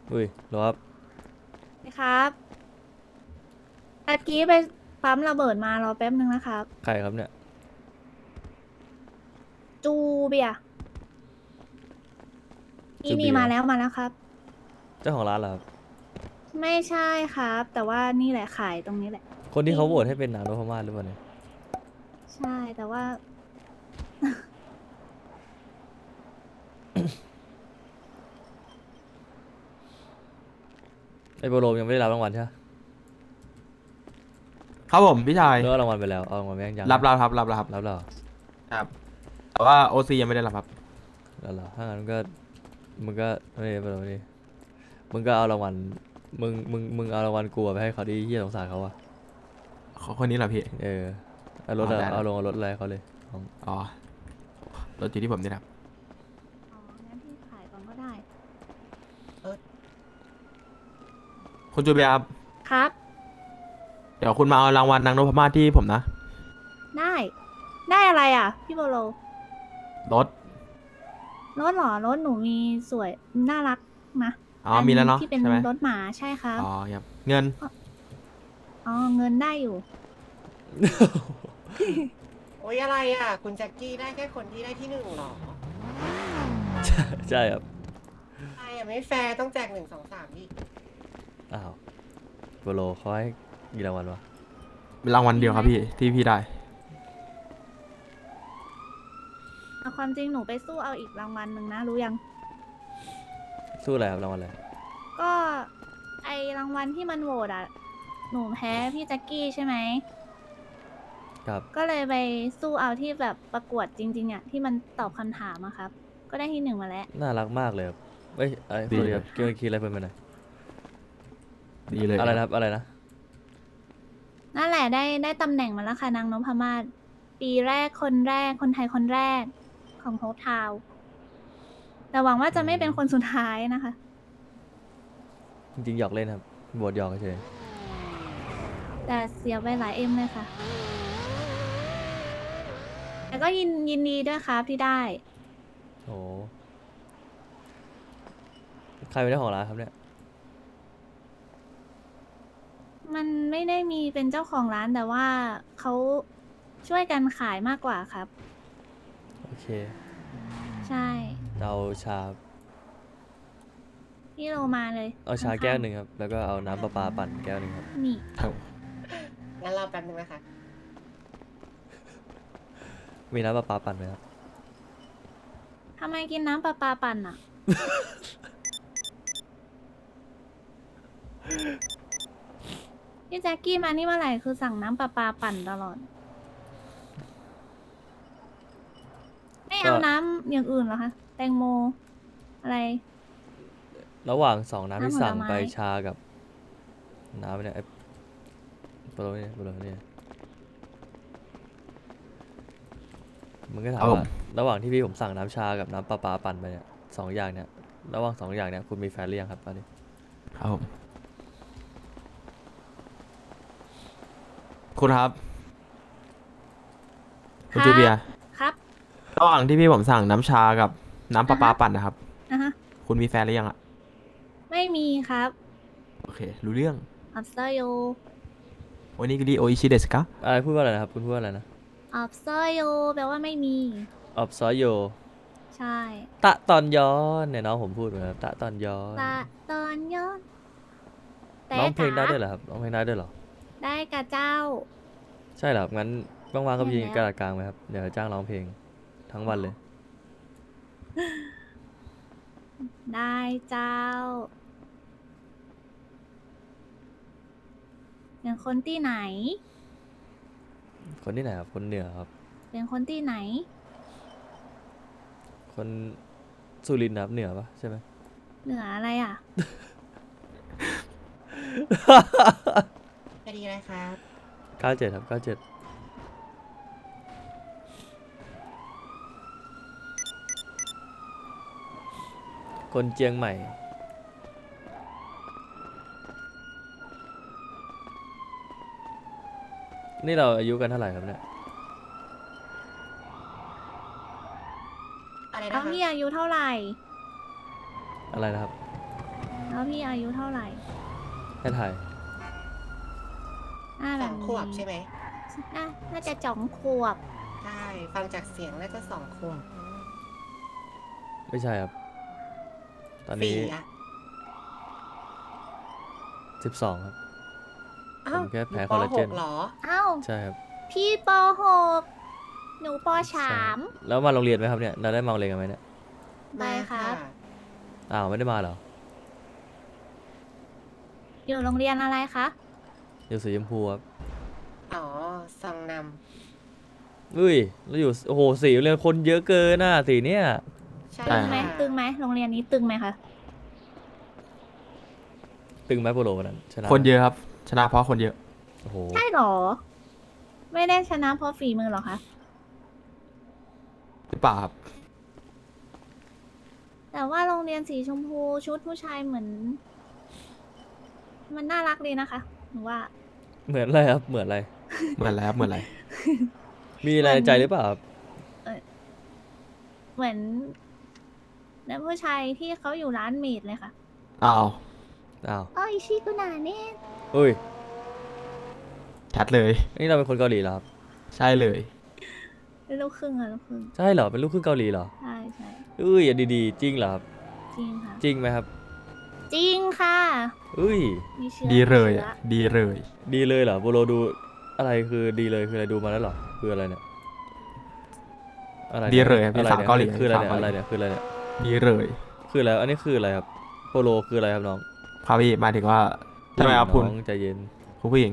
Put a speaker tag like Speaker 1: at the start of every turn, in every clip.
Speaker 1: อุ้ยเหรอครับ
Speaker 2: ครับตะกี้ไปปั๊มระเบิดมารอแป๊บนึงนะครับ
Speaker 1: ใครครับเนี่ย
Speaker 2: จูเบียร์นี่
Speaker 1: จูเบียร์
Speaker 2: มาแล้วมาแล้วครับ
Speaker 1: เจ้าของร้านเหรอครับ
Speaker 2: ไม่ใช่ครับแต่ว่านี่แหละขายตรงนี้แหละ
Speaker 1: คนที่
Speaker 2: นี่
Speaker 1: เขาโหวตให้เป็นนางนพมาศหรือเปล่าเนี่ย
Speaker 2: ใช่แต่ว่า
Speaker 1: ไอโปโลยังไม่ได้รับรางวัลใช่ไหม
Speaker 3: ครับผมพี่ชาย
Speaker 1: หรือว่ารางวัลไปแล้วเอารางวัลไปยัง
Speaker 3: รับครับรับครับ
Speaker 1: รับแล้วเหรอ
Speaker 3: ครับแต่ว่าโอซียังไม่ได้รับครับ
Speaker 1: แล้วเหรอถ้างั้นก็มึงก็ไม่ไปหรอกนี่มึงก็เอารางวัลมึงเอารางวัลกูอะไปให้เขาดีเฮียสงสารเขาอะ
Speaker 3: คนนี้เหรอพี่
Speaker 1: เออเอารถอะ
Speaker 3: ได้
Speaker 1: เอารถอะไรให้เขาเลยเอา
Speaker 3: อ๋อรถอยู่ที่ผมนี่นะครับ
Speaker 2: อ๋องั้นพี่ขายก่อนก็ได้
Speaker 3: คุณจูเบียร์ครับ
Speaker 2: ครับ
Speaker 3: เดี๋ยวคุณมาเอารางวัลนางนพมาศที่ผมนะ
Speaker 2: ได้ได้อะไรอ่ะพี่โบโล
Speaker 3: รถ
Speaker 2: รถเหรอรถหนูมีสวยน่ารักนะ
Speaker 3: อ๋อ
Speaker 2: อัน
Speaker 3: มีแล้วเนาะ
Speaker 2: ที่เป็น
Speaker 3: ใช่ไหม
Speaker 2: รถหมาใช่ครับ
Speaker 3: อ๋อครับเงิน
Speaker 2: อ๋อเงินได้อยู่
Speaker 4: โอ้ยอะไรอ่ะ คุณแจ็คกี้ได้แค่คนที่ได้ที่หนึ่งหรอ
Speaker 1: ใช่ครับ
Speaker 4: ใช่อ่ะไม่แฟร์ต้องแจกหนึ่งสองสามดิ
Speaker 1: อ้าวโปโลเขาให้กี่รางวัลวะ
Speaker 3: เป็นรางวัลเดียวครับพี่ที่พี่ได้
Speaker 2: เอาความจริงหนูไปสู้เอาอีกรางวัลหนึ่งนะรู้ยัง
Speaker 1: สู้อะไรครับรางวัลอะไร
Speaker 2: ก็ไอรางวัลที่มันโหวตอะหนูแพ้พี่แจ็คกี้ใช่ไหม
Speaker 1: ครับ
Speaker 2: ก็เลยไปสู้เอาที่แบบประกวดจริงๆอะที่มันตอบคำถามอะครับ ก็ได้ที่หนึ่งมาแล้ว
Speaker 1: น่ารักมากเลยครับเอ้ยไอ้ส
Speaker 3: ดี
Speaker 1: วัสดี
Speaker 3: เลย
Speaker 1: ครับเกี่ยวกับคิดอะไรเพิ่มไปหน่อย
Speaker 3: ดีเลย
Speaker 1: อะไร
Speaker 3: ครับ
Speaker 1: นะครับอะไรนะ
Speaker 2: นั่นแหละได้ตำแหน่งมาแล้วค่ะนางนพมาศปีแรกคนแรกคนไทยคนแรกของโฮปทาวน์แต่หวังว่าจะไม่เป็นคนสุดท้ายนะคะ
Speaker 1: จริงๆหยอกเล่นครับบทหยอกเฉย
Speaker 2: แต่เสียไปหลายเอ็มเลยค่ะแต่ก็ยินดีด้วยครับที่ได้
Speaker 1: โอ้ใครเป็นเจ้าของร้านครับเนี่ย
Speaker 2: มันไม่ได้มีเป็นเจ้าของร้านแต่ว่าเขาช่วยกันขายมากกว่าครับ
Speaker 1: โอเค
Speaker 2: ใช่
Speaker 1: เอาชา
Speaker 2: พี่โรมาเลย
Speaker 1: เอาชา
Speaker 2: ข้าง
Speaker 1: แก้วหนึ่งครับแล้วก็เอาน้ำประปาปั่นแก้วหนึ่งครับ
Speaker 2: ๆนี่
Speaker 3: ครับ
Speaker 4: งั้นรอแป๊บนึงนะคะ
Speaker 1: มีน้ำประปาปั่นไหมครับ
Speaker 2: ทำไมกินน้ำประปาปั่นอ่ะ พี่แจ็คกี้มานี่เมื่อไหร่คือสั่งน้ำประปาปั่นตลอด ไม่
Speaker 1: ก็
Speaker 2: เอาน้ำอย่างอื่นเหรอคะ แตงโม อะไร
Speaker 1: ระหว่างสองน้ำที่
Speaker 2: น้ำผล
Speaker 1: สั่งไป
Speaker 2: ไม้
Speaker 1: ชากับน้ำเนี่ยไอ้โปรเนี่ยโปรเนี่ยมันก็ถา
Speaker 3: ครับผม
Speaker 1: มว่าระหว่างที่พี่ผมสั่งน้ำชากับน้ำประปาปั่นไปเนี่ยสองอย่างเนี่ยระหว่างสองอย่างเนี่ยคุณมีแฟนหรือยังครับตอนนี้
Speaker 3: ครับผมคุณครับ
Speaker 2: ค
Speaker 3: คุณ
Speaker 2: รับ
Speaker 3: จูเบียร์
Speaker 2: ครับ
Speaker 3: ระหว่างที่พี่ผมสั่งน้ำชากับน้ำประปาปั่นนะครับ
Speaker 2: นะฮะ
Speaker 3: คุณมีแฟนหรือยังอะ
Speaker 2: ไม่มีครับ
Speaker 3: โอเครู้เรื่อง
Speaker 2: อับเซอร์โย
Speaker 3: วันนี้ก็ดีโออิชิเดสกะ
Speaker 1: อะไรพูดว่าอะไรนะครับคุณพูดว่าอะไรนะ
Speaker 2: อับเซอร์โยแปลว่าไม่มี
Speaker 1: ออบซอยโย
Speaker 2: ใช่
Speaker 1: ตะตอนย้อนเนี่ยน้องผมพูดเหมือนกันตะตอนย้อน
Speaker 2: ตะตอนย้อนแต่
Speaker 1: ร้องเพลงได้
Speaker 2: จ๋า
Speaker 1: ด้วยเหรอครับร้องเพลงได้ด้วยเหรอ
Speaker 2: ได้กับเจ้า
Speaker 1: ใช่เหรอครับงั้นว่างๆก็ไป
Speaker 2: เห็นแล้ว
Speaker 1: ยืนกระดาษกลางไหมครับเดี๋ยวจ้างร้องเพลงทั้งวันเลย
Speaker 2: ได้เจ้าเป็นคนที่ไหน
Speaker 1: คนที่ไหนครับคนเหนือครับ
Speaker 2: เป็นคนที่ไหน
Speaker 1: คนสุรินทร์ครับเหนือปะใช่ไหม
Speaker 2: เหนืออะไรอ่ะ
Speaker 4: คดีอะไรครับ
Speaker 1: 97ครับ97คนเจียงใหม่นี่เราอายุกันเท่าไหร่ครับเนี่ย
Speaker 4: อะไร
Speaker 2: เอา
Speaker 4: นะคะ
Speaker 2: พี่อายุเท่าไหร่
Speaker 1: อะไรนะครับ
Speaker 2: แล้วพี่อายุเท่าไหร่
Speaker 1: ให้ถ่าย
Speaker 2: แบ
Speaker 4: 2
Speaker 2: บ
Speaker 4: ขวบใช่ไหม
Speaker 2: น่าจะ2 ขวบ
Speaker 4: ใช่ ฟังจากเสียงน่าจะ2 ขวบ
Speaker 1: ไม่ใช่ครับ ตอนนี้
Speaker 4: 4 อ่ะ
Speaker 1: 12 ครับ
Speaker 4: อ้าว
Speaker 1: ผมแค่แพ้
Speaker 4: ยู่
Speaker 1: คอลลาเจน
Speaker 4: ป .6 เหรอ
Speaker 2: เอ้า
Speaker 1: ใช่ครับ
Speaker 2: พี่ป .6 หนูป
Speaker 1: ใช่
Speaker 2: .3
Speaker 1: แล้วมาโรงเรียนไหมครับเนี่ยเราได้มาโรงเรียนกันไหมเนี่ย
Speaker 2: ไปครับ
Speaker 1: อ้าวไม่ได้มาเหรอ
Speaker 2: อยู่โรงเรียนอะไรคะ
Speaker 1: อยู่สีชมพูครับ
Speaker 4: อ๋อซองน
Speaker 1: อุ้ยแล้วอยู่โอ้โหสีโรงเรียนคนเยอะเกินน่ะสีเนี่ย
Speaker 4: ำใช่
Speaker 2: ตึงไหม
Speaker 4: ค่ะ
Speaker 2: ตึงไหมโรงเรียนนี้ตึงไหมคะ
Speaker 1: ตึงไหมโปโลวันนั้นชนะ
Speaker 3: คนเยอะครับ ชนะเพราะคนเยอะ
Speaker 1: โอ้โห
Speaker 2: ใช่หรอ ไม่ได้ชนะเพราะฝีมือหรอคะ
Speaker 3: หรือเปล่าครับ
Speaker 2: แต่ว่าโรงเรียนสีชมพูชุดผู้ชายเหมือน มันน่ารักดีนะคะหนูว่า
Speaker 1: เหมือนอะไรครับเหมือนอะไร
Speaker 3: เหมือนแล้วเหมือนอะไร
Speaker 1: มีอะไรในใจหรือเปล่าครับ
Speaker 2: เหมือนนักผู้ชายที่เขาอยู่ร้านเมดเลยค่ะ
Speaker 3: อ้าว
Speaker 1: อ้าว
Speaker 2: อ๋ออิชิกุนาเน่
Speaker 1: อุ้ย
Speaker 3: ชัดเลย
Speaker 1: นี่เราเป็นคนเกาหลีเหรอครับ
Speaker 3: ใช่เลย
Speaker 2: เป็นลูกครึ่งอะลูกครึ่ง
Speaker 1: ใช่เหรอเป็นลูกครึ่งเกาหลีเหรอ
Speaker 2: ใช่ใช่
Speaker 1: อุ้ยอย่าดีๆจริงเหรอครับ
Speaker 2: จริงค่ะ
Speaker 1: จริงไหมครับ
Speaker 2: จริงค่ะ
Speaker 1: อุ้ย
Speaker 2: มีเชื้อ
Speaker 3: ดีเลย
Speaker 2: มี
Speaker 3: อ่ะ
Speaker 2: ชื้อ
Speaker 3: ดีเลย
Speaker 1: ดีเลยเหรอโปโลดูอะไรคือดีเลยคืออะไรดูมาแล้วเหรอคืออะไรเนี่ยอะไรนี่
Speaker 3: ดีเลยครับ
Speaker 1: อะไร
Speaker 3: พี่สาวเกาหลี
Speaker 1: คืออะไรเนี่ย
Speaker 3: สาว
Speaker 1: อะไร
Speaker 3: เกาหลี
Speaker 1: เนี่ยคืออะไรเนี่ย
Speaker 3: ดีเลย
Speaker 1: คืออะไรอันนี้คืออะไรครับโปโลคืออะไรครับน้อง
Speaker 3: ครับพี่หมายถึงว่าใช่ไหมครับคุณ
Speaker 1: น้องใจเย็น
Speaker 3: คุณผู้หญิง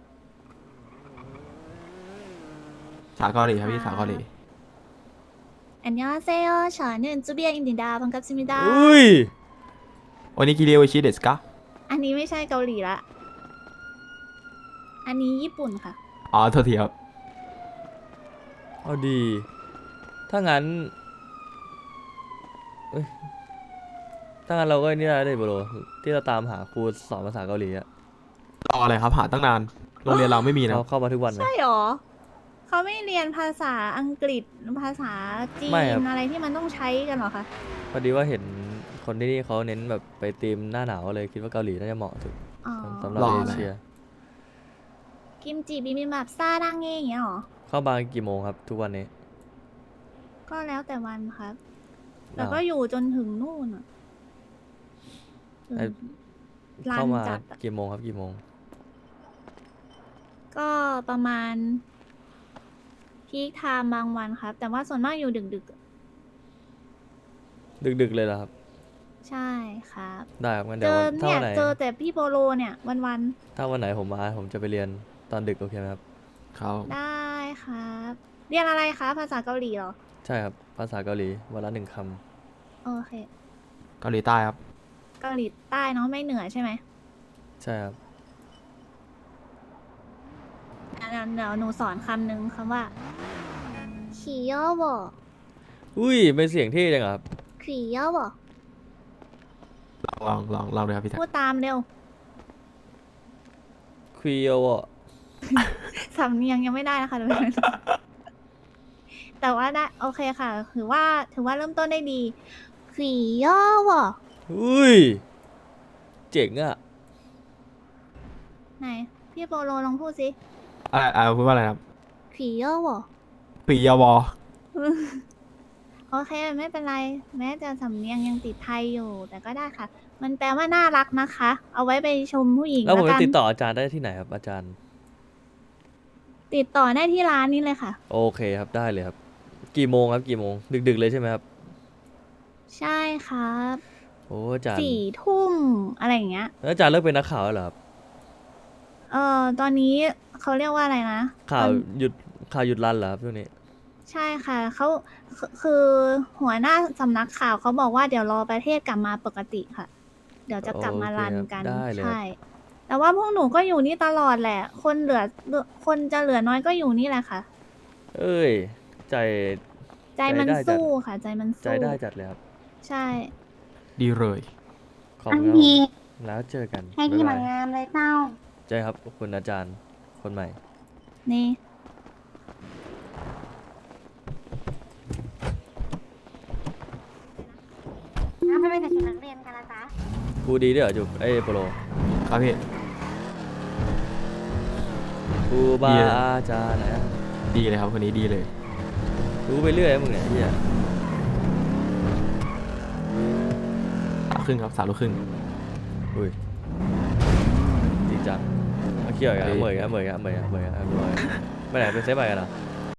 Speaker 3: สาวเกาหลีครับพี่สาวเกาหลี
Speaker 2: อันยองเซโยชอนึนจูเบียอินดิดาบังกับซิมิดา
Speaker 1: อุ้ย
Speaker 3: โอนิกิเรียวชิเดสกะ
Speaker 2: อันนี้ไม่ใช่เกาหลีละ อันนี้ญี่ปุ่นค่ะ
Speaker 3: อ๋อโทษทีครับ
Speaker 1: เอาดีถ้างั้นเอ้ยถ้างั้นเราก็นี่ได้เลยโปโลที่เราตามหาครูสอนภาษาเกาหลีอะ
Speaker 3: รออะไรครับหาตั้งนาน โรงเรียนเราไม่มีนะ
Speaker 1: เขาเข้ามาทุกวันไหม
Speaker 2: ใช่หรอ เขาไม่เรียนภาษาอังกฤษภาษาจีน
Speaker 1: ไม่ครับ
Speaker 2: อะไรที่มันต้องใช้กันเหรอคะ
Speaker 1: พอดีว่าเห็นคนที่นี่เขาเน้นแบบไปธีมหน้าหนาวเลยคิดว่าเกาหลีน่าจะเหมาะสุด
Speaker 2: อ๋อ
Speaker 1: สำหรับเอเชีย
Speaker 2: กิมจิบิบิมบับซาดังเงี้ยอย่างเงี้ยหรอ
Speaker 1: เข้ามากี่โมงครับ ทุกวันนี้
Speaker 2: ก็แล้วแต่วันครับ แต่
Speaker 1: อ้าว
Speaker 2: ก็อยู่จนถึงนู่นอ่ะจน
Speaker 1: ไอ้
Speaker 2: ร้าน
Speaker 1: เข้ามา
Speaker 2: จัดอะ
Speaker 1: กี่โมงครับกี่โมง
Speaker 2: ก็ประมาณพีคไทม์บางวันครับ แต่ว่าส่วนมากอยู่ดึกๆอะ
Speaker 1: ดึกๆเลยเหรอครับ
Speaker 2: ใช่ครับ
Speaker 1: ได้ครับงั้น
Speaker 2: เจ
Speaker 1: เดี๋ยว
Speaker 2: อ
Speaker 1: วันถ้า
Speaker 2: เนี่ย
Speaker 1: วันไหน
Speaker 2: เจอแต่พี่โปโลเนี่ยวัน
Speaker 1: ถ้าวันไหนผมมาผมจะไปเรียนตอนดึกโอเคไหมครับ
Speaker 3: เขา
Speaker 2: ๆได้ครับ เรียนอะไรคะภาษาเกาหลีเหรอ
Speaker 1: ใช่ครับภาษาเกาหลีวันละ1 ค
Speaker 2: โอเค
Speaker 3: เกาหลีใต้ครับ
Speaker 2: เกาหลีใต้เนาะไม่เหนือใช่ไหม
Speaker 1: ำใช่ครับ
Speaker 2: เดี๋ยวหนูสอนคำหนึ่งคำว่าขี่ย่อบ่
Speaker 1: อุ้ยเป็นเสียงเท่จังอะครับ
Speaker 2: ขี่ย่อบ่
Speaker 3: ลองเลยครับพี่แท็ก
Speaker 2: พูดตามเร็ว
Speaker 1: ควีโอว
Speaker 2: สำเนียงยังไม่ได้นะคะ แต่ว่าได้โอเคค่ะ ถือว่าเริ่มต้นได้ดีขี่ย่อบ่
Speaker 1: อุ้ยเจ๋งอะ
Speaker 2: ไหนพี่โปโลลองพูดสิ
Speaker 3: อะไรพูดว่าอะไรครับ
Speaker 2: ขี่ย่อบ่
Speaker 3: ปียาวอ
Speaker 2: โอเคไม่เป็นไร แม้จะสำเนียงยังติดไทยอยู่ แต่ก็ได้ค่ะ มันแปลว่าน่ารักนะคะ เอาไว้ไปชมผู้หญิง
Speaker 1: แล้วผม
Speaker 2: กั
Speaker 1: จะติดต่ออาจารย์ได้ที่ไหนครับอาจารย์
Speaker 2: ติดต่อได้ที่ร้านนี้เลยค่ะ
Speaker 1: โอเคครับได้เลยครับ กี่โมงครับกี่โมงดึกๆเลยใช่ไหมครับ
Speaker 2: ใช่ครับ
Speaker 1: โอ้อาจารย์
Speaker 2: 4 ทุ่มอะไรอย่างเงี้ย
Speaker 1: แล้วอาจารย์เลิกเป็นนักข่าวแล้วเหรอครับ
Speaker 2: ตอนนี้เขาเรียกว่าอะไรนะ
Speaker 1: ข่าว
Speaker 2: ตอน
Speaker 1: หยุดรันเหรอครับช่วงนี้
Speaker 2: ใช่ค่ะเขาคือหัวหน้าสำนักข่าวเขาบอกว่าเดี๋ยวรอประเทศกลับมาปกติค่ะ เดี๋ยวจะกลับมารันกัน
Speaker 1: โอเคครับได้เลย
Speaker 2: ใช่ แต่ว่าพวกหนูก็อยู่นี่ตลอดแหละ คนจะเหลือน้อยก็อยู่นี่แหละค่ะ
Speaker 1: เอ้ยใจ
Speaker 2: ใจมัน
Speaker 1: ใจได้จัด
Speaker 2: สู้ค่ะ ใจมัน
Speaker 1: ใจ
Speaker 2: สู้
Speaker 1: ได้จัดเลยครับ
Speaker 2: ใช่
Speaker 3: ดีเลย
Speaker 1: ขอบ
Speaker 5: อัน
Speaker 1: คุณครับ
Speaker 5: ดี
Speaker 1: ผมแล้วเจอกัน
Speaker 5: ให้ดี
Speaker 1: บ๊าย
Speaker 5: เหมื
Speaker 1: บา
Speaker 5: อย นงามเลยเจ้า
Speaker 1: ใช่ครับขอบคุณอาจารย์คนใหม่
Speaker 2: นี่
Speaker 5: แล้วทำไมแต่ชุดนักเรียนกันล่ะจ๊ะ
Speaker 1: กูดีด้วยเหรอจุกไอ้โปโล
Speaker 3: ครับพี่
Speaker 1: กูบา
Speaker 3: ดีเลย
Speaker 1: อาจารย์ไหนอะ
Speaker 3: ดีเลยครับคนนี้ดีเลย
Speaker 1: รู้ไปเรื่อยนะมึงเนี่ยไอ้เฮีย
Speaker 3: 3 ครึ่งครับ3 ลูกครึ่ง
Speaker 1: อุ้ยจริงจังมาเกี่ยวกัน
Speaker 3: เฮ้ย
Speaker 1: เหมยกันไม่ไหนเป็นเซฟไปกันเหรอ